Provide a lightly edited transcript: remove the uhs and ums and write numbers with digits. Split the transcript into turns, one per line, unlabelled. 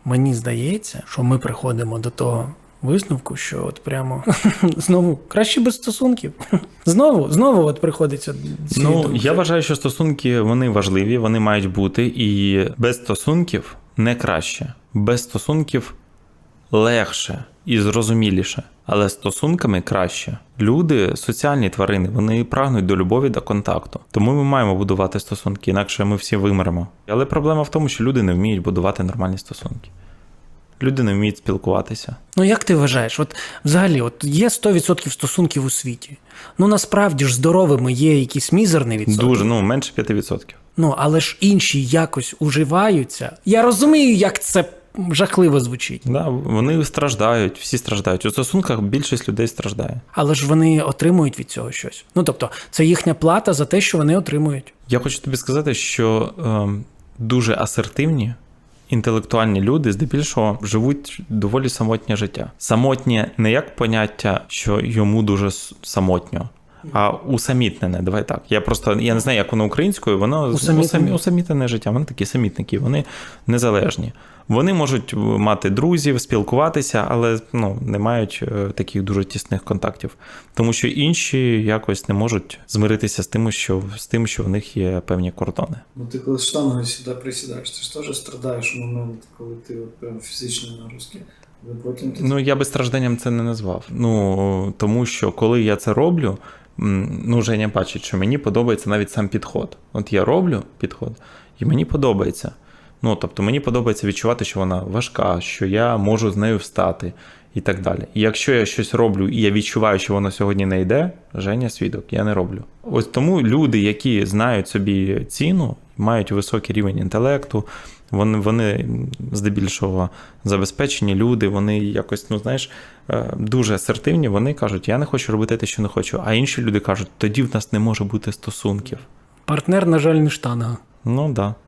мені здається, що ми приходимо до того висновку, що от прямо знову краще без стосунків. Знову от приходиться
Я вважаю, що стосунки, вони важливі, вони мають бути, і без стосунків не краще. Без стосунків легше і зрозуміліше, але стосунками краще. Люди – соціальні тварини, вони прагнуть до любові, до контакту. Тому ми маємо будувати стосунки, інакше ми всі вимремо. Але проблема в тому, що люди не вміють будувати нормальні стосунки. Люди не вміють спілкуватися.
Як ти вважаєш? Взагалі, є 100% стосунків у світі. Насправді ж здоровими є якісь мізерні відсотки.
Дуже, менше 5%.
Але ж інші якось уживаються. Я розумію, як це жахливо звучить.
Да, вони страждають, всі страждають. У стосунках більшість людей страждає.
Але ж вони отримують від цього щось. Тобто, це їхня плата за те, що вони отримують.
Я хочу тобі сказати, що дуже асертивні, інтелектуальні люди здебільшого живуть доволі самотнє життя. Самотнє не як поняття, що йому дуже самотньо, а усамітнене, давай так. Я не знаю, як воно українською, воно усамітнене життя. Вони такі самітники, вони незалежні. Вони можуть мати друзів, спілкуватися, але не мають таких дуже тісних контактів. Тому що інші якось не можуть змиритися з тим, що в них є певні кордони.
Ти коли штангою сюди присідаєш, ти ж теж страдаєш у момент, коли ти прям фізичні нагрузки.
Я би стражданням це не назвав. Тому що коли я це роблю, Женя бачить, що мені подобається навіть сам підход. От я роблю підход, і мені подобається. Тобто мені подобається відчувати, що вона важка, що я можу з нею встати і так далі. І якщо я щось роблю, і я відчуваю, що воно сьогодні не йде, Женя свідок, я не роблю. Ось тому люди, які знають собі ціну, мають високий рівень інтелекту, вони здебільшого забезпечені люди, вони якось, дуже асертивні, вони кажуть, я не хочу робити те, що не хочу. А інші люди кажуть, тоді в нас не може бути стосунків.
Партнер, на жаль, не штанга.
Да.